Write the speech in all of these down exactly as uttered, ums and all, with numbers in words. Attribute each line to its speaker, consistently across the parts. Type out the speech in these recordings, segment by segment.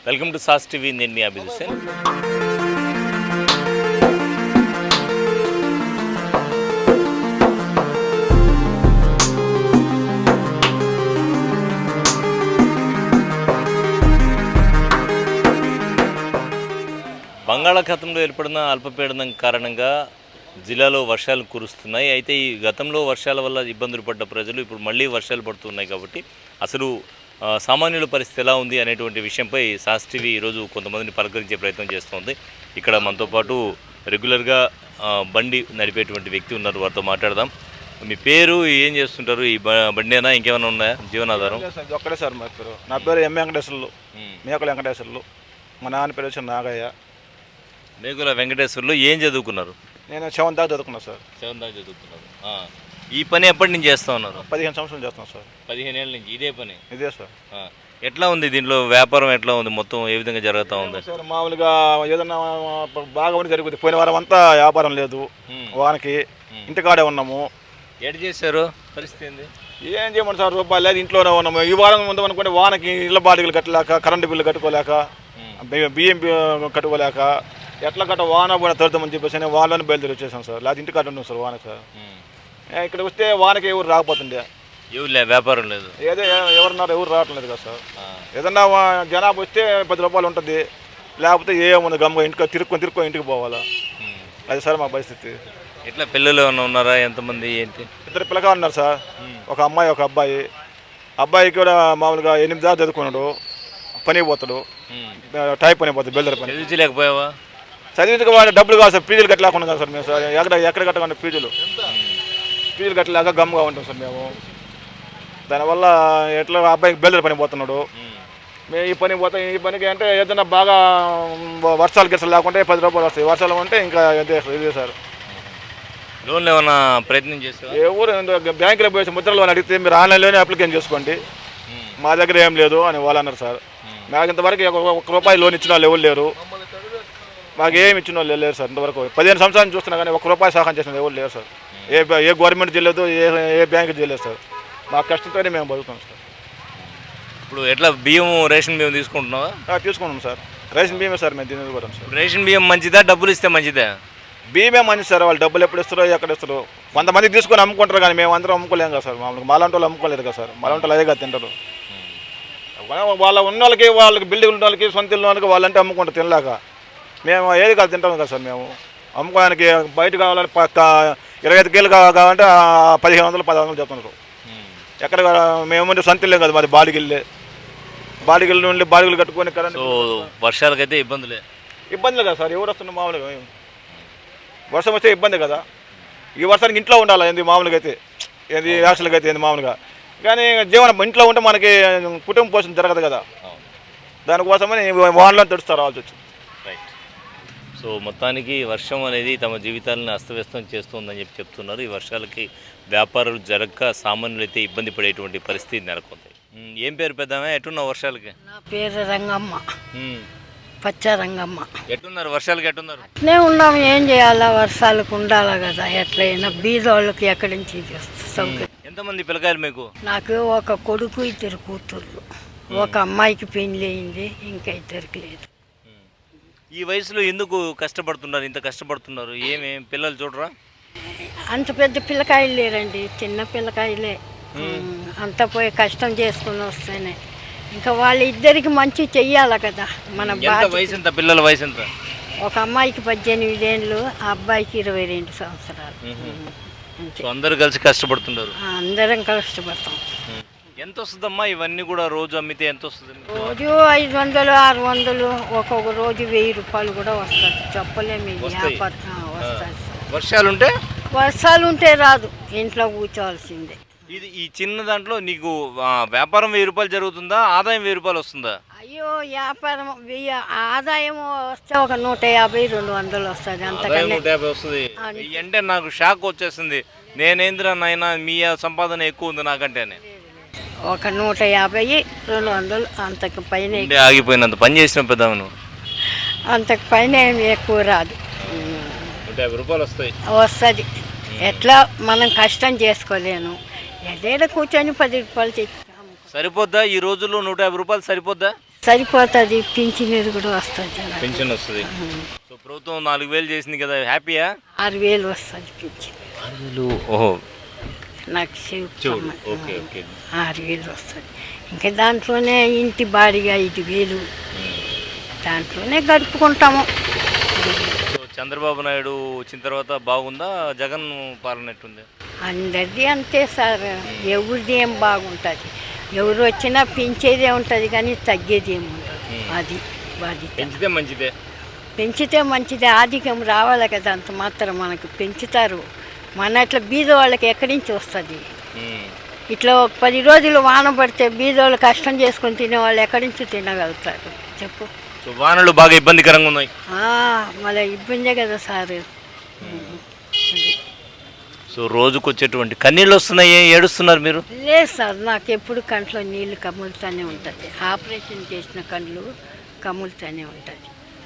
Speaker 1: Welcome to sauce TV. నేను మీ అభిజిత్ సేన్. బంగాళాఖాతంలో ఏర్పడిన అల్పపీడనం కారణంగా జిల్లాలో వర్షాలు కురుస్తున్నాయి. అయితే ఈ గతంలో వర్షాల వల్ల ఇబ్బందులు పడ్డ ప్రజలు ఇప్పుడు మళ్ళీ వర్షాలు పడుతున్నాయి కాబట్టి అసలు సామాన్యుల పరిస్థితి ఎలా ఉంది అనేటువంటి విషయంపై సాస్ టీవీ ఈరోజు కొంతమందిని పలకరించే ప్రయత్నం చేస్తుంది. ఇక్కడ మనతో పాటు రెగ్యులర్గా బండి నడిపేటువంటి వ్యక్తి ఉన్నారు, వారితో మాట్లాడదాం. మీ పేరు, ఏం చేస్తుంటారు? ఈ బండేనా ఇంకేమైనా ఉన్నాయా జీవనాధారం?
Speaker 2: ఒక్కడే సార్ మా పేరు. నా పేరు ఎం వెంకటేశ్వర్లు, మేకల వెంకటేశ్వర్లు. మా నాన్న పేరు వచ్చి నాగయ్య.
Speaker 1: మేకుల వెంకటేశ్వర్లు. ఏం చదువుకున్నారు?
Speaker 2: నేను సెవెన్ దాకా చదువుకున్నాను సార్.
Speaker 1: సెవెన్ దాకా చదువుకున్నారు. ఈ పని ఎప్పటి నుంచి చేస్తూ ఉన్నారు?
Speaker 2: పదిహేను సంవత్సరాలు చేస్తున్నాను సార్.
Speaker 1: పదిహేను ఏళ్ళ నుంచి ఇదే పని?
Speaker 2: ఇదే సార్.
Speaker 1: ఎట్లా ఉంది దీంట్లో వ్యాపారం? ఎట్లా ఉంది? మొత్తం ఏ విధంగా జరుగుతూ ఉంది
Speaker 2: సార్? మామూలుగా ఏదన్నా బాగా ఉండి జరుగుతుంది. పోయిన వారం అంతా వ్యాపారం లేదు, వానికి ఇంటికాడే ఉన్నాము.
Speaker 1: ఎటు చేశారు? పరిస్థితి ఏంది?
Speaker 2: ఏం చేయమంటారు సార్? రూపాయలు లేదు, ఇంట్లోనే ఉన్నాము. ఈ వారం ఉందాం అనుకుంటే వానకి ఇళ్ళ బాడిగలు కట్టలేక, కరెంటు బిల్లు కట్టుకోలేక, బియ్యం కట్టుకోలేక, ఎట్లా కట్ట వాన పోయిన తడుతామని చెప్పేసి నేను వానలోనే బయలుదేరి వచ్చేసాను సార్. లేదా ఇంటికాడ ఉన్నాం సార్ వాన సార్. ఇక్కడ వస్తే వానకి ఎవరు రాకపోతుండే,
Speaker 1: ఎవరు లేదు, వ్యాపారం లేదు,
Speaker 2: ఏదో ఎవరున్నారు ఎవరు రావటం లేదు కదా సార్. ఏదన్నా జనాభా వస్తే పది రూపాయలు ఉంటుంది, లేకపోతే ఏముంది గమ్మ ఇంటికి తిరుక్కొని తిరుక్కొని ఇంటికి పోవాలా. అది సార్ మా పరిస్థితి.
Speaker 1: ఎట్లా పిల్లలు ఏమైనా ఉన్నారా? ఎంతమంది ఏంటి?
Speaker 2: ఇద్దరు పిల్లగా ఉన్నారు సార్, ఒక అమ్మాయి ఒక అబ్బాయి. అబ్బాయికి కూడా మామూలుగా ఎనిమిది దాకా చదువుకున్నాడు, పని పోతాడు, టైప్ పని పోతాడు, బెల్దర్ పని.
Speaker 1: చదివించలేకపోయావా?
Speaker 2: చదివించుకు వాడు డబ్బులు కాదు సార్, ఫీజులు కట్టలేకుండా కదా సార్ మేము సార్. ఎక్కడ ఎక్కడ కట్టకుండా ఫీజులు ఫీజులు కట్టలేక గమ్ముగా ఉంటాం సార్ మేము. దానివల్ల ఎట్లా అబ్బాయికి బెల్దర్ పని పోతున్నాడు, మేము ఈ పని పోతాం. ఈ పనికి అంటే ఏదైనా బాగా వర్షాలు గిర్సలు లేకుంటే పది రూపాయలు వస్తాయి, వర్షాలు ఉంటే ఇంకా ఇదే ఇదే సార్.
Speaker 1: లోన్లు ఏమన్నా ప్రయత్నం చేస్తారు?
Speaker 2: ఎవరు బ్యాంకులో పోయేసి ముద్రలు అని అడిగితే మీరు ఆన్లైన్లోనే అప్లికేషన్ చేసుకోండి, మా దగ్గర ఏం లేదు అని వాళ్ళు అన్నారు సార్. మాకు ఇంతవరకు ఒక రూపాయి లోన్ ఇచ్చిన వాళ్ళు ఎవరు లేరు, మాకు ఏమి ఇచ్చిన వాళ్ళు లేరు సార్. ఇంతవరకు పదిహేను సంవత్సరాలు చూస్తున్నా కానీ ఒక రూపాయి సహాయం చేసిన ఎవరు లేరు సార్. ఏ ఏ గవర్నమెంట్ చేయలేదు, ఏ ఏ బ్యాంకు చేయలేదు సార్. మా కష్టంతోనే మేము బతుకుతాం సార్.
Speaker 1: ఇప్పుడు ఎట్లా బియ్యం, రేషన్ బియ్యం తీసుకుంటున్నావా?
Speaker 2: తీసుకుంటాం సార్, రేషన్ బియ్యమే సార్ మేము తినేది కూడా సార్.
Speaker 1: రేషన్ బియ్యం మంచిదా, డబ్బులు ఇస్తే మంచిదా?
Speaker 2: బియ్యమే మంచిది సార్. వాళ్ళు డబ్బులు ఎప్పుడు ఇస్తారో ఎక్కడ ఇస్తారో. కొంతమంది తీసుకొని అమ్ముకుంటారు కానీ మేము అందరం అమ్ముకోలేం కదా సార్. మామూలుగా మాలాంటి వాళ్ళు అమ్ముకోలేదు కదా సార్. మాలాంటి వాళ్ళు అదే కదా తింటారు. వాళ్ళ ఉన్న వాళ్ళకి, వాళ్ళకి బిల్డింగ్ ఉన్న వాళ్ళకి, సొంత ఇల్లు వాళ్ళకి వాళ్ళంటే అమ్ముకుంటారు తినలేక. మేము ఏది కాదు తింటాం కదా సార్. మేము అమ్ముకోవడానికి బయట కావాలంటే పక్క ఇరవై ఐదు కేలు కావాలంటే పదిహేను వందలు పది వందలు చెప్తున్నారు. ఎక్కడ మేముంటే సొంత ఇల్లే కదా మాది, బాడిగిల్లే. బాడిగిల్లు నుండి బాడిగిలు కట్టుకొని కరెంట్.
Speaker 1: వర్షాలకైతే ఇబ్బందులే
Speaker 2: ఇబ్బందులే కదా సార్. ఎవరు వస్తున్నారు మామూలుగా? వర్షం వస్తే ఇబ్బంది కదా. ఈ వర్షానికి ఇంట్లో ఉండాలి ఏంది మామూలుగా అయితే, ఏంది యాక్చువల్గా అయితే ఏంది మామూలుగా. కానీ జీవనం ఇంట్లో ఉంటే మనకి కుటుంబ పోషణ జరగదు కదా. దానికోసమని వానలో తడుస్తారు రావాల్సి వచ్చింది.
Speaker 1: రైట్. సో మొత్తానికి వర్షం అనేది తమ జీవితాలను అస్తవ్యస్తం చేస్తుందని చెప్పి చెప్తున్నారు. ఈ వర్షాలకి వ్యాపారాలు జరగక సామాన్యులు అయితే ఇబ్బంది పడేటువంటి పరిస్థితి నెలకొంది. ఏం పేరు పెద్దామే? ఎట్టున్నావు వర్షాలకి?
Speaker 3: నా పేరు రంగమ్మ, పచ్చ రంగమ్మ.
Speaker 1: ఎట్టున్నారు వర్షాలకి? ఎట్టున్నారు?
Speaker 3: అట్లే ఉన్నాం, ఏం చేయాలా? వర్షాలకు ఉండాలా కదా. ఎట్లయినా బీదోళ్ళకి ఎక్కడి నుంచి సౌకర్యం.
Speaker 1: ఎంతమంది పిల్లకాయలు మీకు?
Speaker 3: నాకు ఒక కొడుకు, ఇద్దరు కూతుర్లు. ఒక అమ్మాయికి పెళ్లి అయింది, ఇంకా ఇద్దరికి లేదు.
Speaker 1: ఈ వయసులో ఎందుకు కష్టపడుతున్నారు? ఇంత కష్టపడుతున్నారు ఏమి? పిల్లలు చూడరా?
Speaker 3: అంత పెద్ద పిల్లకాయలు లేరండి, చిన్న పిల్లకాయలే. అంత పోయి కష్టం చేసుకుని వస్తేనే ఇంకా వాళ్ళిద్దరికి మంచి చెయ్యాలి కదా. మన
Speaker 1: వయసు ఎంత? పిల్లల వయసు ఎంత?
Speaker 3: ఒక అమ్మాయికి పద్దెనిమిది ఏళ్ళు, ఆ అబ్బాయికి ఇరవై రెండు సంవత్సరాలు.
Speaker 1: అందరూ కలిసి కష్టపడుతున్నారు.
Speaker 3: అందరం కష్టపడతాం.
Speaker 1: ఎంత వస్తుందమ్మా ఇవన్నీ కూడా రోజు అమ్మితే? ఎంత వస్తుంది?
Speaker 3: రోజు ఐదు వందలు ఆరు వందలు ఒక్కొక్క రోజు వెయ్యి రూపాయలు కూడా వస్తుంది. చెప్పలేము. వస్తుంది.
Speaker 1: వర్షాలు ఉంటే?
Speaker 3: వర్షాలు ఉంటే రాదు, ఇంట్లో కూర్చోవాల్సిందే.
Speaker 1: ఇది ఈ చిన్న దాంట్లో నీకు వ్యాపారం వెయ్యి రూపాయలు జరుగుతుందా, ఆదాయం వెయ్యి రూపాయలు వస్తుందా?
Speaker 3: అయ్యో, వ్యాపారం వెయ్యి, ఆదాయం వస్తే ఒక నూట యాభై రెండు వందలు వస్తుంది. అంతకంటే
Speaker 1: నూట యాభై వస్తుంది అంటే నాకు షాక్ వచ్చేసింది. నేనేంద్రా నాయన మీ సంపాదన ఎక్కువ ఉంది నాకంటేనే.
Speaker 3: ఒక నూట యాభై రెండు వందలు అంతకు పైన
Speaker 1: ఆగిపోయినంత పని చేసిన పెద్దామను,
Speaker 3: అంతకు పైన ఏమి ఎక్కువ రాదు.
Speaker 1: నూట యాభై రూపాయలు వస్తాయి
Speaker 3: వస్తుంది. ఎట్లా మనం కష్టం చేసుకోలేను, ఏదైనా కూర్చొని పది రూపాయలు తెచ్చి
Speaker 1: సరిపోద్దా? ఈ రోజుల్లో నూట యాభై రూపాయలు సరిపోద్దా?
Speaker 3: సరిపోతుంది, పింఛనీరు కూడా వస్తుంది.
Speaker 1: పెన్షన్ వస్తుంది. సో ప్రభుత్వం నాలుగు వేలు చేసింది కదా, హ్యాపీయా?
Speaker 3: ఆరు వేలు వస్తుంది పింఛన్.
Speaker 1: ఆరు వేలు ఓహో
Speaker 3: నాకు శివ
Speaker 1: చూడు. Okay okay.
Speaker 3: ఆరు వేలు వస్తుంది. ఇంకా దాంట్లోనే ఇంటి బాడిగా ఐదు వేలు, దాంట్లోనే గడుపుకుంటాము.
Speaker 1: సో చంద్రబాబు నాయుడు వచ్చిన తర్వాత బాగుందా, జగన్ పాలన ఎట్టుంది?
Speaker 3: అందరిది అంతే సార్, ఎవరిది ఏం బాగుంటుంది. ఎవరు వచ్చినా పెంచేదే ఉంటుంది కానీ తగ్గేది ఏమి ఉండదు. అది బాధ్యత.
Speaker 1: పెంచితే మంచిదే.
Speaker 3: పెంచితే మంచిదే, ఆధిక్యం రావాలి కదా, అంత మాత్రం మనకు పెంచుతారు. మన అట్లా బీద వాళ్ళకి ఎక్కడి నుంచి వస్తుంది? ఇట్లా ఒక పది రోజులు వాన పడితే బీదోళ్ళు కష్టం చేసుకొని తినే వాళ్ళు ఎక్కడి నుంచి తినగలుగుతారు చెప్పు?
Speaker 1: సో వానలు బాగా ఇబ్బందికరంగా ఉన్నాయి.
Speaker 3: మళ్ళీ ఇబ్బందే కదా సార్.
Speaker 1: సో రోజుకు వచ్చేటువంటి కన్నీళ్ళు వస్తున్నాయి, ఏడుస్తున్నారు మీరు?
Speaker 3: లేదు సార్, నాకు ఎప్పుడు కంట్లో నీళ్ళు కమ్ములుతూనే ఉంటుంది. ఆపరేషన్ చేసిన కళ్ళు కమ్ములుతూనే ఉంటుంది.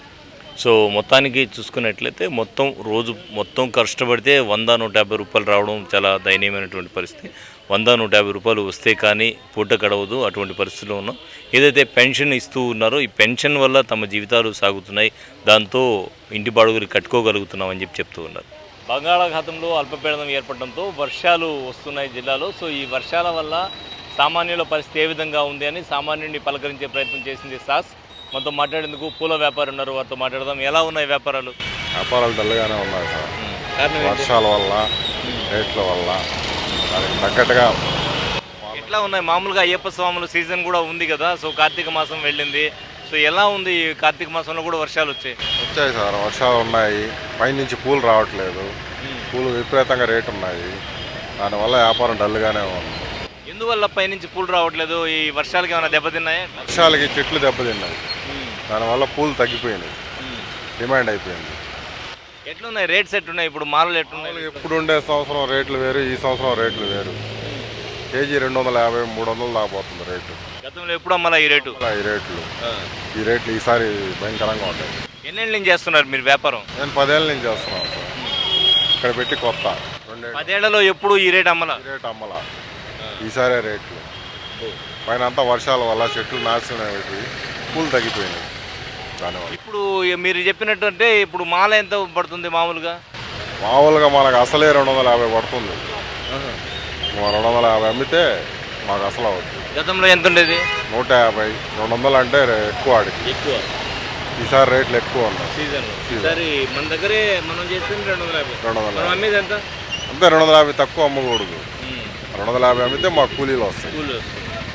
Speaker 1: సో మొత్తానికి చూసుకున్నట్లయితే మొత్తం రోజు మొత్తం కష్టపడితే వంద నూట యాభై రూపాయలు రావడం చాలా దయనీయమైనటువంటి పరిస్థితి. వంద నూట యాభై రూపాయలు వస్తే కానీ పూట గడవదు, అటువంటి పరిస్థితిలో ఉన్నాం. ఏదైతే పెన్షన్ ఇస్తూ ఉన్నారో ఈ పెన్షన్ వల్ల తమ జీవితాలు సాగుతున్నాయి, దాంతో ఇంటి బాడుగులు కట్టుకోగలుగుతున్నాం అని చెప్పి చెప్తూ ఉన్నారు. బంగాళాఖాతంలో అల్పపీడనం ఏర్పడడంతో వర్షాలు వస్తున్నాయి జిల్లాలో. సో ఈ వర్షాల వల్ల సామాన్యుల పరిస్థితి ఏ విధంగా ఉంది అని సామాన్యుడిని పలకరించే ప్రయత్నం చేసింది సాస్. మనతో మాట్లాడేందుకు పూల వ్యాపారి ఉన్నారు, వారితో మాట్లాడదాం. ఎలా ఉన్నాయి వ్యాపారాలు?
Speaker 4: వ్యాపారాలు డల్గానే ఉన్నాయి సార్, వర్షాల వల్ల, రేట్ల వల్ల దానికి తగ్గట్టుగా.
Speaker 1: ఎట్లా ఉన్నాయి? మామూలుగా అయ్యప్ప స్వాముల సీజన్ కూడా ఉంది కదా, సో కార్తీక మాసం వెళ్ళింది. సో ఎలా ఉంది? కార్తీక మాసంలో కూడా వర్షాలు వచ్చాయి
Speaker 4: వచ్చాయి సార్, వర్షాలు ఉన్నాయి. పైనుంచి పూలు రావట్లేదు, పూలు విపరీతంగా రేటు ఉన్నాయి, దానివల్ల వ్యాపారం డల్గానే ఉంది.
Speaker 1: ఎందువల్ల పైనుంచి పూలు రావట్లేదు? ఈ వర్షాలకి ఏమైనా దెబ్బతిన్నాయా?
Speaker 4: వర్షాలకి చెట్లు దెబ్బతిన్నాయి, దానివల్ల పూలు తగ్గిపోయినాయి, డిమాండ్ అయిపోయింది.
Speaker 1: ఎట్లున్నాయి రేట్స్? ఎట్లున్నాయి ఇప్పుడు? మాలలు ఎట్లున్నాయి?
Speaker 4: ఎప్పుడు ఉండే సంవత్సరం రేట్లు వేరు, ఈ సంవత్సరం రేట్లు వేరు. కేజీ రెండు వందల యాభై మూడు వందలు దాకపోతుంది రేటు.
Speaker 1: గతంలో ఎప్పుడు అమ్మాలా ఈ రేటు?
Speaker 4: ఈ రేట్లు ఈ రేట్లు ఈసారి భయంకరంగా ఉంటాయి.
Speaker 1: ఎన్నేళ్ళ నుంచి చేస్తున్నారు మీరు వ్యాపారం?
Speaker 4: నేను పదేళ్ళ నుంచి చేస్తున్నాను సార్, ఇక్కడ పెట్టి కొత్త రెండేళ్ళు.
Speaker 1: పదేళ్లలో ఎప్పుడు ఈ రేట్ అమ్మలా?
Speaker 4: ఈ రేట్ అమ్మలా, ఈసారే రేట్లు. పైన అంతా వర్షాల వల్ల చెట్లు నాశనం అయిపోయి పూలు తగ్గిపోయినాయి దానివల్ల.
Speaker 1: ఇప్పుడు మీరు చెప్పినట్టు అంటే ఇప్పుడు మాల ఎంత పడుతుంది మామూలుగా?
Speaker 4: మామూలుగా మనకు అసలే రెండు వందల యాభై పడుతుంది. రెండు వందల యాభై అమ్మితే మాకు అసలు అవుతుంది.
Speaker 1: గతంలో ఎంత ఉండేది?
Speaker 4: నూట యాభై రెండు వందలు అంటే ఎక్కువ ఆడికి.
Speaker 1: ఎక్కువ.
Speaker 4: ఈసారి రేట్లు ఎక్కువ ఉన్నాయి
Speaker 1: సీజన్. ఈసారి మన దగ్గరే మనం చేస్తుంది రెండు వందల యాభై.
Speaker 4: రెండు వందల
Speaker 1: మనం అమ్మేది ఎంత?
Speaker 4: అంతే, రెండు వందల యాభై తక్కువ అమ్మకూడదు. రెండు వందల యాభై అమ్మితే మాకు కూలీలు వస్తాయి.
Speaker 1: కూలీలు వస్తాయి.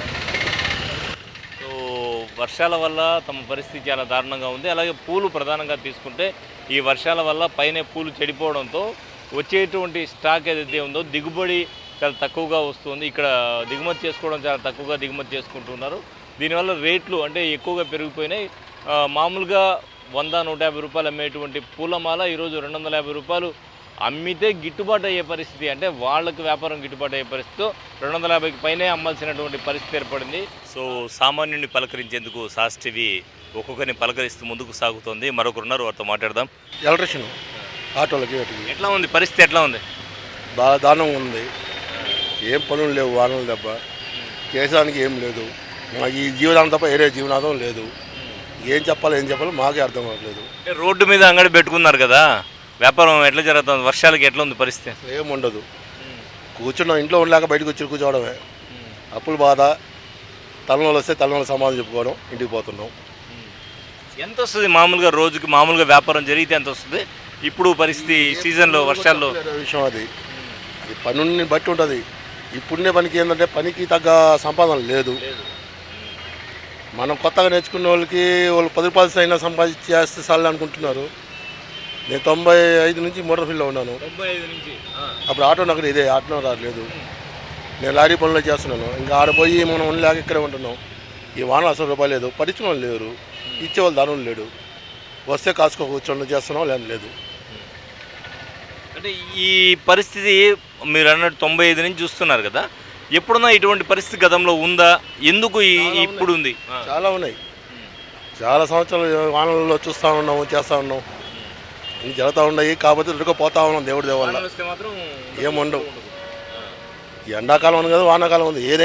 Speaker 1: సో వర్షాల వల్ల తమ పరిస్థితి చాలా దారుణంగా ఉంది. అలాగే పూలు ప్రధానంగా తీసుకుంటే ఈ వర్షాల వల్ల పైన పూలు చెడిపోవడంతో వచ్చేటువంటి స్టాక్ ఏదైతే ఉందో దిగుబడి చాలా తక్కువగా వస్తుంది. ఇక్కడ దిగుమతి చేసుకోవడం చాలా తక్కువగా దిగుమతి చేసుకుంటున్నారు. దీనివల్ల రేట్లు అంటే ఎక్కువగా పెరిగిపోయినాయి. మామూలుగా వంద నూట యాభై రూపాయలు అమ్మేటువంటి పూలమాల ఈరోజు రెండు వందల యాభై రూపాయలు అమ్మితే గిట్టుబాటు అయ్యే పరిస్థితి, అంటే వాళ్ళకి వ్యాపారం గిట్టుబాటు అయ్యే పరిస్థితితో రెండు వందల యాభైకి పైనే అమ్మాల్సినటువంటి పరిస్థితి ఏర్పడింది. సో సామాన్యుడిని పలకరించేందుకు సాస్ టీవీ ఒక్కొక్కరిని పలకరిస్తూ ముందుకు సాగుతోంది. మరొకరున్నారు, వారితో మాట్లాడదాం.
Speaker 5: ఎలక్ట్రిషియన్ ఆటోలకి
Speaker 1: ఎట్లా ఉంది పరిస్థితి? ఎట్లా ఉంది?
Speaker 5: బాగా దారుణంగా ఉంది. ఏం పనులు లేవు, వానలు దెబ్బ చేసేదానికి ఏం లేదు. మాకు ఈ జీవనాధం తప్ప వేరే జీవనాధం లేదు. ఏం చెప్పాలో ఏం చెప్పాలో మాకే అర్థం అవ్వట్లేదు.
Speaker 1: రోడ్డు మీద అంగడి పెట్టుకున్నారు కదా, వ్యాపారం ఎట్లా జరుగుతుంది? వర్షాలకి ఎట్లా ఉంది పరిస్థితి?
Speaker 5: ఏం ఉండదు, కూర్చున్నాం ఇంట్లో ఉండలేక బయటకు వచ్చి కూర్చోవడమే. అప్పులు బాధ, తలనోళ్ళు వస్తే తలనోళ్ళు సమాధానం చెప్పుకోవడం, ఇంటికి పోతున్నాం.
Speaker 1: ఎంత వస్తుంది మామూలుగా రోజుకి? మామూలుగా వ్యాపారం జరిగితే ఎంత వస్తుంది? ఇప్పుడు పరిస్థితి సీజన్లో వర్షాల్లో
Speaker 5: విషయం అది అది పనుని బట్టి ఉంటుంది. ఇప్పుడునే పనికి ఏంటంటే పనికి తగ్గ సంపాదన లేదు. మనం కొత్తగా నేర్చుకునే వాళ్ళకి వాళ్ళు పది రూపాయలు అయినా సంపాదించి చేస్తే చాలు అనుకుంటున్నారు. నేను తొంభై ఐదు నుంచి మోటార్ ఫీల్డ్లో ఉన్నాను. అప్పుడు ఆటో నగరు ఇదే, ఆటో రాలేదు. నేను లారీ పనులు చేస్తున్నాను. ఇంకా ఆడపోయి మనం ఉండలేక ఇక్కడే ఉంటున్నాం. ఈ వాన అసలు రూపాయలు లేదు, పరిచయం వాళ్ళు లేరు, ఇచ్చేవాళ్ళు దాని లేడు. వస్తే కాసుకో కూర్చొని చేస్తున్నాం, లేదు లేదు.
Speaker 1: అంటే ఈ పరిస్థితి మీరు అన్నట్టు తొంభై ఐదు నుంచి చూస్తున్నారు కదా, ఎప్పుడున్నా ఇటువంటి పరిస్థితి గతంలో ఉందా? ఎందుకు ఇప్పుడు ఉంది?
Speaker 5: చాలా ఉన్నాయి, చాలా సంవత్సరాలు వానలలో చూస్తూ ఉన్నాము, చేస్తూ ఉన్నాం, ఇవి జరుగుతూ ఉన్నాయి. కాకపోతే రుడుకపోతా ఉన్నాం దేవుడి దేవల్ల. ఏముండవు. ఎండాకాలం ఉంది కదా, వానాకాలం ఉంది, ఏదైనా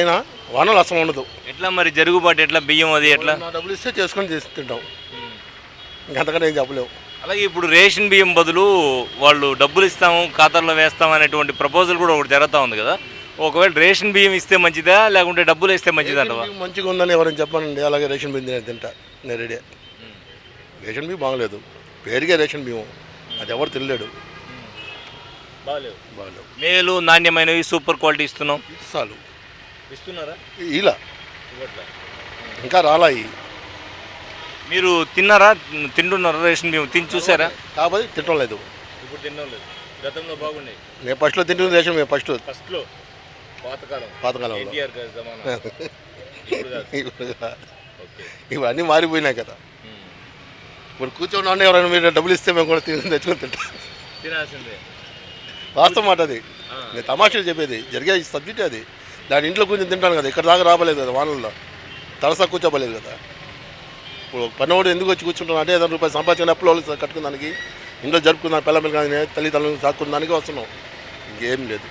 Speaker 5: వానలు అసలు ఉండదు.
Speaker 1: ఎట్లా మరి జరుగుబాటు ఎట్లా బియ్యం అది ఎట్లా?
Speaker 5: నా డబ్బులు ఇస్తే చేసుకొని చేసి తింటాం, ఇంకంతకన్నా ఏం చెప్పలేవు.
Speaker 1: అలాగే ఇప్పుడు రేషన్ బియ్యం బదులు వాళ్ళు డబ్బులు ఇస్తాము ఖాతాల్లో వేస్తాం అనేటువంటి ప్రపోజల్ కూడా ఒకటి జరుగుతూ ఉంది కదా. ఒకవేళ రేషన్ బియ్యం ఇస్తే మంచిదా లేకుంటే డబ్బులు ఇస్తే మంచిదా అంటవా?
Speaker 5: రేషన్ బియ్యం మంచిగా ఉందని ఎవరైనా చెప్పానండి, అలాగే రేషన్ బియ్యం నేను తింటా, నేను రెడీ. రేషన్ బియ్యం బాగలేదు, పేరుగే రేషన్ బియ్యం, అది ఎవరు తినలేడు.
Speaker 1: బాగలేవు
Speaker 5: బాగలేవు.
Speaker 1: మేలు నాణ్యమైనవి సూపర్ క్వాలిటీ ఇస్తున్నాం.
Speaker 5: చాలు
Speaker 1: ఇస్తున్నారా?
Speaker 5: ఇలా ఇంకా రాలాయి.
Speaker 1: మీరు తిన్నారా, తింటున్నారా రేషన్ బియ్యం? తిని చూసారా?
Speaker 5: కాబట్టి తినడం లేదు.
Speaker 1: ఇప్పుడు తినడం లేదు, గతంలో బాగుండే.
Speaker 5: నేను ఫస్ట్లో తింటుంది రేషన్ బియ్యం, ఫస్ట్
Speaker 1: ఫస్ట్లో పాతకాలం
Speaker 5: పాతకాలంలో.
Speaker 1: ఎన్టీఆర్ గారి జమానా. ఇప్పుడు కాదు.
Speaker 5: ఇప్పుడు
Speaker 1: ఓకే.
Speaker 5: ఇవన్నీ మారిపోయినాయి కదా. ఇప్పుడు కూర్చొని ఉండే ఎవరైనా మీరు డబ్బులు ఇస్తే మేము కూడా తిని తెచ్చుకొని తింటాం.
Speaker 1: తినాల్సిందే.
Speaker 5: వాస్తవం మాట అది, నేను తమాషాలు చెప్పేది, జరిగే సబ్జెక్ట్ అది. దాని ఇంట్లో కూర్చొని తింటాను కదా, ఇక్కడ దాకా రాబలేదు కదా, వానల్లో తలసా కూర్చోబలేదు కదా. ఇప్పుడు పన్నోడు ఎందుకు వచ్చి కూర్చుంటున్నాను అంటే ఏదైనా రూపాయలు సంపాదించిన అప్పులు వాళ్ళు కట్టుకున్నానికి, ఇంట్లో జరుపుకున్నాను పిల్లలు కానీ తల్లిదండ్రులు సాక్కున్నానికి వస్తున్నాం, ఇంకేం లేదు.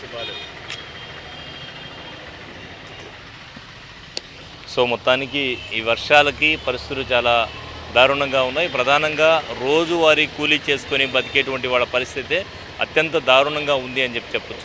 Speaker 1: సో మొత్తానికి ఈ వర్షాలకి పరిస్థితులు చాలా దారుణంగా ఉన్నాయి. ప్రధానంగా రోజువారీ కూలీ చేసుకొని బతికేటువంటి వాళ్ళ పరిస్థితి అత్యంత దారుణంగా ఉంది అని చెప్పి చెప్పచ్చు.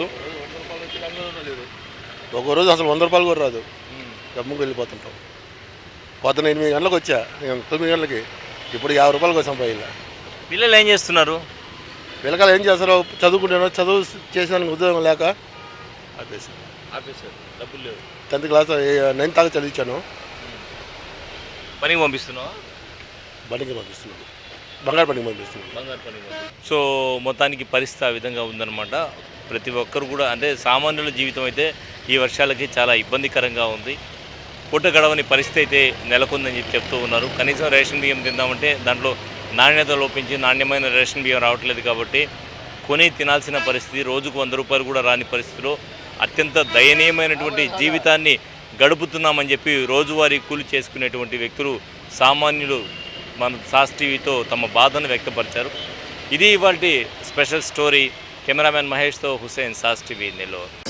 Speaker 5: ఒక రోజు అసలు వంద రూపాయలు కూడా రాదు, డబ్బుకి వెళ్ళిపోతుంటాం. పొద్దున ఎనిమిది గంటలకు వచ్చా, తొమ్మిది గంటలకి, ఇప్పుడు యాభై రూపాయలకు వచ్చాం పైన.
Speaker 1: పిల్లలు ఏం చేస్తున్నారు?
Speaker 5: పిల్లకాయలు ఏం చేస్తారో, చదువుకుంటున్నారో, చదువు చేసేదానికి ఉద్యోగం లేక ఆపేసాను.
Speaker 1: ఆఫీసర్ డబ్బులు లేవు.
Speaker 5: టెన్త్ క్లాస్ నైన్త్ దాకా చదివించాను.
Speaker 1: పనికి పంపిస్తున్నావా?
Speaker 5: బండికి పంపిస్తున్నాను, బంగారు బండికి పంపిస్తున్నాను.
Speaker 1: బంగారు పనికి. సో మొత్తానికి పరిస్థితి ఆ విధంగా ఉందన్నమాట. ప్రతి ఒక్కరు కూడా అంటే సామాన్యుల జీవితం అయితే ఈ వర్షాలకి చాలా ఇబ్బందికరంగా ఉంది. పూట గడవని పరిస్థితి అయితే నెలకొందని చెప్పి చెప్తూ ఉన్నారు. కనీసం రేషన్ బియ్యం తిందామంటే దాంట్లో నాణ్యత లోపించి నాణ్యమైన రేషన్ బియ్యం రావట్లేదు కాబట్టి కొని తినాల్సిన పరిస్థితి, రోజుకు వంద రూపాయలు కూడా రాని పరిస్థితిలో అత్యంత దయనీయమైనటువంటి జీవితాన్ని గడుపుతున్నామని చెప్పి రోజువారీ కూలి చేసుకునేటువంటి వ్యక్తులు, సామాన్యులు మన సాస్ టీవీతో తమ బాధను వ్యక్తపరిచారు. ఇది ఇవాల్టి స్పెషల్ స్టోరీ. కెమెరామెన్ మహేష్తో హుసేన్, సాస్ టీవీ నెల్లూరు.